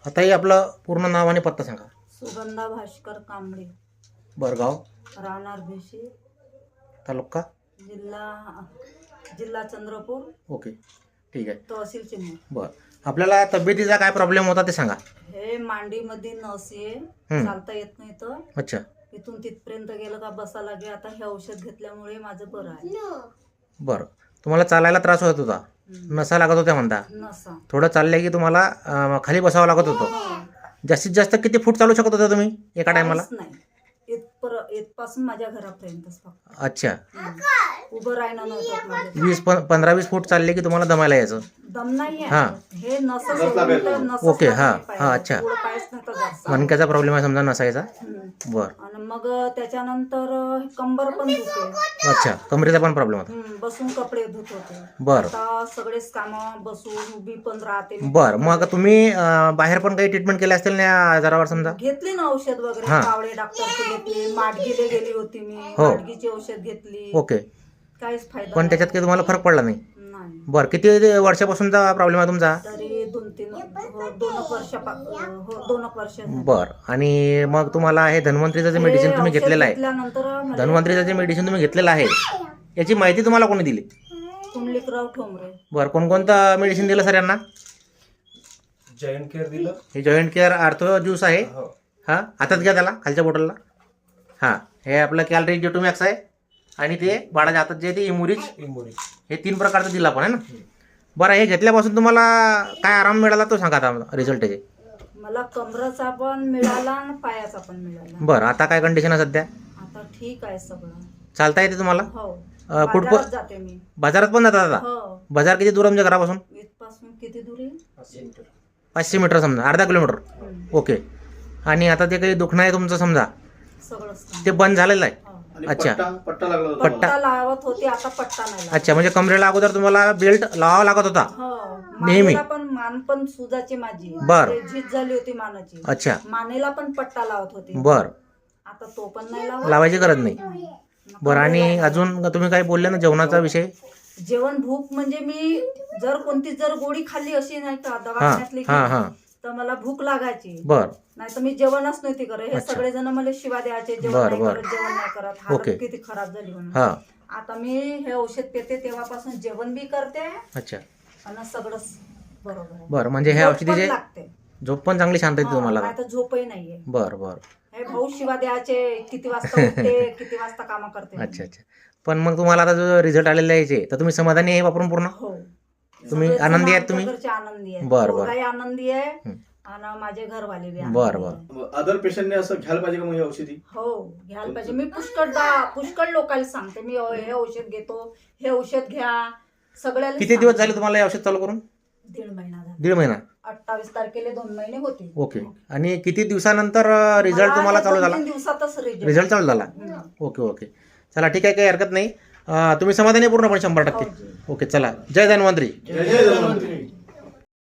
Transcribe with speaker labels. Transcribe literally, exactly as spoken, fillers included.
Speaker 1: आता हे आपलं पूर्ण नाव आणि पत्ता सांगा.
Speaker 2: सुगंधा भास्कर कांबळे,
Speaker 1: बरगाव,
Speaker 2: राहणार भिशी,
Speaker 1: तालुका.
Speaker 2: जिल्हा जिल्हा चंद्रपूर,
Speaker 1: ओके, ठीक आहे.
Speaker 2: तहसील चिमूर.
Speaker 1: बरं, आपल्याला तब्येतीचा काय प्रॉब्लेम होता ते सांगा.
Speaker 2: हे मांडीमध्ये नस आहे,
Speaker 1: हं.
Speaker 2: चालता येत नाही तर
Speaker 1: अच्छा,
Speaker 2: इथून तिथपर्यंत गेलं का बसा लागे. आता हे औषध घेतल्यामुळे माझं बरं आहे.
Speaker 1: बरं. तुम्हाला चालायला त्रास होत होता,
Speaker 2: हं.
Speaker 1: नसा लागत होत्या म्हणता.
Speaker 2: नसा
Speaker 1: थोडं चाललं की तुम्हाला अं, खाली बसावं लागत होतं. जास्तीत जास्त किती फूट चालू शकत होता तुम्ही एका टायमाला?
Speaker 2: काहीच नाही. इथपर इथपासून माझ्या घरापर्यंतच फक्त.
Speaker 1: अच्छा,
Speaker 2: हं. उभं राहणं नव्हतं माझं.
Speaker 1: वीस प पंधरा वीस फूट चालले की तुम्हाला दमायला यायचं.
Speaker 2: दम नाही
Speaker 1: हां.
Speaker 2: आहे. हे नस सोडून तर नसच
Speaker 1: ओके,
Speaker 2: लागली
Speaker 1: हां,
Speaker 2: पायाला.
Speaker 1: हां, अच्छा.
Speaker 2: पुढं पायच नव्हतं जास्त.
Speaker 1: मणक्याचा प्रॉब्लेम आहे समजा नसायचा.
Speaker 2: हं.
Speaker 1: बरं,
Speaker 2: आणि मग त्याच्यानंतर कंबर पण दुखे.
Speaker 1: अच्छा. कमरेचा पण प्रॉब्लेम होता.
Speaker 2: हं, बसून कपडे धुत होते.
Speaker 1: बरं.
Speaker 2: आता सगळेच कामं बसून उभी पण राहते मी.
Speaker 1: बरं, मग तुम्ही अं, बाहेर पण काही ट्रीटमेंट केली असतील ना या आजारावर समजा?
Speaker 2: घेतली ना औषध वगैरे.
Speaker 1: हां.
Speaker 2: कावळे डॉक्टरची घेतली, माडगीले गेली होती मी,
Speaker 1: हो.
Speaker 2: माडगीची औषध घेतली.
Speaker 1: ओके,
Speaker 2: काहीच फायदा
Speaker 1: पण त्याच्यात
Speaker 2: नाही.
Speaker 1: काही तुम्हाला फरक पडला नाही?
Speaker 2: नाही.
Speaker 1: बरं, किती वर्षापासूनचा प्रॉब्लेम आहे तुमचा?
Speaker 2: तरी दोन तीन हो, दोन एक वर्ष हो दोन एक वर्ष झाली.
Speaker 1: बरं, आणि मग तुम्हाला हे धन्वंतरीचं जे मेडिसिन
Speaker 2: हे
Speaker 1: तुम्ही
Speaker 2: औषध
Speaker 1: घेतलेलं आहे,
Speaker 2: घेतल्यानंतर मला
Speaker 1: धन्वंतरीचं जे मेडिसिन तुम्ही घेतलेलं आहे याची माहिती तुम्हाला कोणी दिली?
Speaker 2: कुंडलिकराव ठोंबरे.
Speaker 1: बरं, कोणकोणतं मेडिसिन दिलं सर यांना?
Speaker 3: जॉईंट केअर दिलं.
Speaker 1: हे जॉईंट केअर आर्थो ज्यूस आहे.
Speaker 3: हो.
Speaker 1: हां, हातात घ्या त्याला, खालच्या बॉटलला. हां, हे आपलं कॅलरी जेटोमॅक्स आहे आणि ते बाळाच्या हातात जे आहे ते इमुरिज.
Speaker 3: इमोरी.
Speaker 1: हे तीन प्रकारचं दिलं आपण आहे ना. बरं, हे घेतल्यापासून तुम्हाला काय आराम मिळाला तो सांगा आता रिझल्ट त्याचे.
Speaker 2: मला कमराचा पण मिळाला आणि पायाचा पण मिळाला.
Speaker 1: बरं, आता काय कंडिशन आहे सध्या?
Speaker 2: आता ठीक आहे सगळं.
Speaker 1: चालता येते तुम्हाला?
Speaker 2: हो.
Speaker 1: अं, कुठं
Speaker 2: बाजारात जाते मी.
Speaker 1: बाजारात पण जातात आता?
Speaker 2: हो.
Speaker 1: बाजार किती दूर आमच्या घरापासून?
Speaker 2: इथपासून किती दूर आहे?
Speaker 1: पाचशे मीटर समजा, अर्धा किलोमीटर.
Speaker 2: हं.
Speaker 1: ओके, आणि आता ते काही दुखणं आहे तुमचं समजा
Speaker 2: सगळंच.
Speaker 1: ते बंद झालेलं आहे?
Speaker 2: हो.
Speaker 3: आणि
Speaker 1: अच्छा.
Speaker 3: पट्टा पट्टा लागला होता.
Speaker 2: पट्टा लावत होती, आता पट्टा नाही लावत.
Speaker 1: अच्छा, म्हणजे कमरेला अगोदर तुम्हाला बेल्ट लावावा लागत होता?
Speaker 2: हो.
Speaker 1: नेहमी?
Speaker 2: मानेला पण मान पण सुजाची माझी.
Speaker 1: बर.
Speaker 2: ते झीज झाली होती मानाची.
Speaker 1: अच्छा,
Speaker 2: मानेला पण पट्टा लावत होती.
Speaker 1: बरं,
Speaker 2: आता तो पण नाही लावत.
Speaker 1: लावायची गरज नाही. बरं, आणि अजून तुम्ही काही बोलले ना जेवणाचा विषय?
Speaker 2: जेवण भूक म्हणजे मी जर कोणती जर गोळी खाल्ली अशी नाही का
Speaker 1: हां
Speaker 2: दवाखान्यातली
Speaker 1: हां हां,
Speaker 2: तर मला भूक लागायची.
Speaker 1: बरं,
Speaker 2: नाही तर मी जेवणच नव्हती करत. हे
Speaker 1: अच्छा.
Speaker 2: सगळेजण मला शिवा द्यायचे, जेवण
Speaker 1: बर,
Speaker 2: नाही
Speaker 1: बर.
Speaker 2: करत, जेवण नाही करत,
Speaker 1: ओके.
Speaker 2: हालत किती खराब झाली म्हणून.
Speaker 1: हां,
Speaker 2: आता मी हे औषध पिते तेव्हापासून जेवण बी करते
Speaker 1: अच्छा.
Speaker 2: आणि सगळंच बरोबर आहे.
Speaker 1: बरं, म्हणजे हे
Speaker 2: झोप पण
Speaker 1: औषधीचे
Speaker 2: लागते.
Speaker 1: झोप पण चांगली शांत येते
Speaker 2: हा,
Speaker 1: तुम्हाला?
Speaker 2: नाही तर झोपही नाहीये.
Speaker 1: बरं बरं,
Speaker 2: हे भाऊ शिवा द्यायचे, किती वाजता उठते, किती वाजता कामं करते.
Speaker 1: अच्छा अच्छा. पण मग तुम्हाला आता जो रिझल्ट आलेला आहे याचे, तर तुम्ही समाधानी आहे वापरून पूर्ण?
Speaker 2: हो.
Speaker 1: तुम्ही
Speaker 2: सगळेजण
Speaker 1: आनंदी आहेत तुम्ही?
Speaker 2: आमच्या घरचे आनंदी आहेत.
Speaker 1: बर, बर.
Speaker 2: पोरगाही आनंदी आहे
Speaker 1: हं.
Speaker 2: आणि माझे घरवाले बी आनंदी
Speaker 1: बर, बर.
Speaker 2: आहे.
Speaker 3: अदर पेशंटने असं घ्यायला पाहिजे का मग ही औषधी?
Speaker 2: हो, घ्यायला पाहिजे. मी पुष्कळ दा- पुष्कळ लोकांना सांगते मी हे औषध घेतो, हे औषध घ्या, सगळ्याला
Speaker 1: किती दिवस
Speaker 2: सांगते.
Speaker 1: झाले तुम्हाला हे औषध चालू करून?
Speaker 2: दीड महिना झाला.
Speaker 1: दीड महिना.
Speaker 2: अठ्ठावीस तारखेला दोन महिने होते.
Speaker 1: ओके, आणि किती दिवसानंतर रिझल्ट
Speaker 2: मला
Speaker 1: तुम्हाला चालू
Speaker 2: दोन
Speaker 1: झाला?
Speaker 2: तीन दिवसातच रिझल्ट.
Speaker 1: रिझल्ट चालू झाला?
Speaker 2: हं.
Speaker 1: ओके ओके, चला ठीक आहे, काही हरकत नाही. अं, तुम्ही समाधानी आहे पूर्णपणे शंभर
Speaker 2: हो
Speaker 1: टक्के?
Speaker 2: जी.
Speaker 1: ओके, चला, जय धन्वंतरी.
Speaker 3: जय जय धन्वंतरी.